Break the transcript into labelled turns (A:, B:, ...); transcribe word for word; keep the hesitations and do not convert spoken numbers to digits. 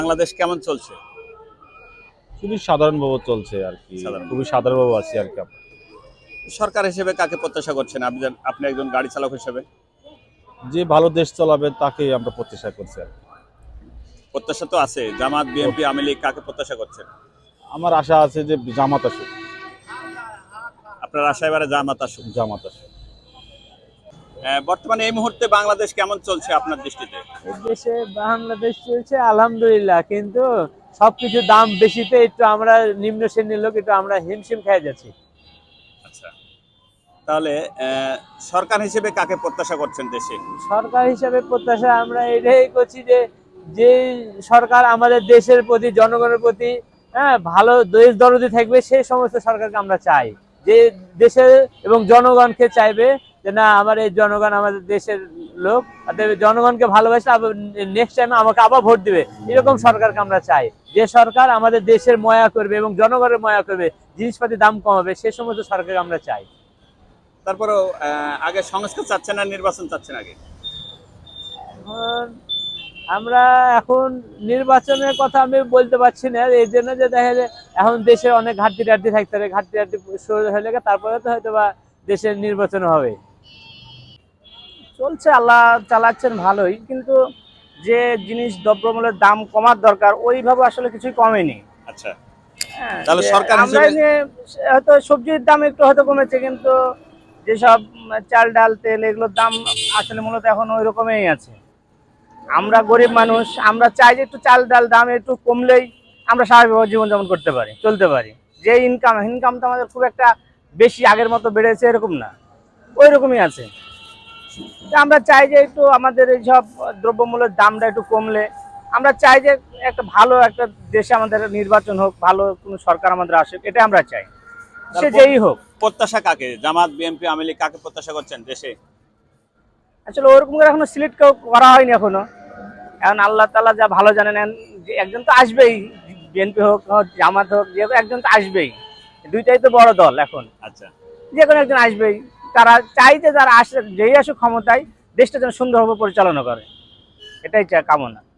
A: বাংলাদেশ কেমন চলছে?
B: খুবই সাধারণভাবে চলছে আর কি,
A: সাধারণ
B: খুবই সাধারণভাবে আছি আর কি।
A: সরকার হিসেবে কাকে প্রত্যাশা করছেন আপনি? আপনি একজন গাড়ি চালক হিসেবে
B: যে ভালো দেশ চালাবে তাকেই আমরা প্রত্যাশা করছি আর কি।
A: প্রত্যাশা তো আছে। জামাত, বিএনপি, আওয়ামী লীগ কাকে প্রত্যাশা করছেন?
B: আমার আশা আছে যে জামাত আসুক।
A: আপনার আশা এবারে জামাত আসুক।
B: জামাত আসুক।
A: আহ, বর্তমানে এই মুহূর্তে বাংলাদেশ কেমন চলছে আপনার দৃষ্টিতে?
C: এই দেশে বাংলাদেশ চলছে আলহামদুলিল্লাহ, কিন্তু সবকিছুর দাম বেশিতে একটু আমরা নিম্ন শ্রেণীর লোক একটু আমরা হিমশিম খেয়ে যাচ্ছি।
A: আচ্ছা, তাহলে আহ, সরকার হিসেবে কাকে প্রত্যাশা করছেন দেশে?
C: সরকার হিসাবে প্রত্যাশা আমরা এটাই করছি যে যে সরকার আমাদের দেশের প্রতি জনগণের প্রতি হ্যাঁ ভালো দেশ দরদি থাকবে, সেই সমস্ত সরকারকে আমরা চাই। যে দেশের এবং জনগণকে চাইবে যে না আমার এই জনগণ আমাদের দেশের লোক, অতএব জনগণকে ভালোবাসে, আবার নেক্সট টাইম আমাকে আবার ভোট দিবে, এরকম সরকারকে আমরা চাই। যে সরকার আমাদের দেশের ময়া করবে এবং জনগণের ময়া করবে, জিনিসপাতির দাম কমাবে, সে সমস্ত সরকারকে আমরা চাই।
A: তারপরেও আহ, আগে সংস্কার চাচ্ছেন না নির্বাচন চাচ্ছেন আগে?
C: এখন আমরা এখন নির্বাচনের কথা আমি বলতে পারছি না, এই জন্য যে দেখা যায় এখন দেশে অনেক ঘাটতি টাটতি থাকতে পারে, ঘাটতি টাটতি হলে তারপরে তো হয়তো বা দেশের নির্বাচন হবে।
D: চলছে, আল্লাহ চালাচ্ছেন ভালোই, কিন্তু যে জিনিস দ্রব্যমূল্যের দাম কমার দরকার ওইভাবে আসলে কিছুই কমেনি।
A: আচ্ছা,
D: হ্যাঁ,
A: তাহলে
D: যে
A: সরকার
D: আমরা
A: হিসেবে
D: নিয়ে হয়তো সবজির দাম একটু হয়তো কমেছে, কিন্তু যেসব চাল ডাল তেল এগুলোর দাম আসলে মূলত এখন ওই রকমই আছে। আমরা গরিব মানুষ, আমরা চাই যে একটু চাল ডাল দাম একটু কমলেই আমরা স্বাভাবিকভাবে জীবনযাপন করতে পারি, চলতে পারি। যে ইনকাম ইনকাম তো আমাদের খুব একটা বেশি আগের মতো বেড়েছে এরকম না, ওই রকমই আছে। তা আমরা চাই যে একটু আমাদের এই সব দ্রব্যমূল্যের দামটা একটু কমলে আমরা চাই যে একটা ভালো একটা দেশে আমাদের নির্বাচন হোক, ভালো কোনো সরকার আমাদের আসুক, এটা আমরা চাই, সে
A: তারপর
D: যেই হোক।
A: প্রত্যাশা কাকে? জামাত, বিএনপি, আওয়ামী লীগ কাকে প্রত্যাশা করছেন দেশে?
D: আসলে ওরকম করে এখনো সিলেক্ট করা হয়নি এখনো। এখন আল্লাহ তাআলা যা ভালো জানেন, এখন যে একজন তো আসবেই, বিএনপি হোক জামাত হোক, যে একজন তো আসবেই। দুইটাই তো বড় দল এখন,
A: আচ্ছা,
D: যে কোনো একজন আসবেই। তারা চাই যে যারা আসে, যেই আসুক ক্ষমতায়, দেশটা যেন সুন্দরভাবে পরিচালনা করে, এটাই চাই, কামনা।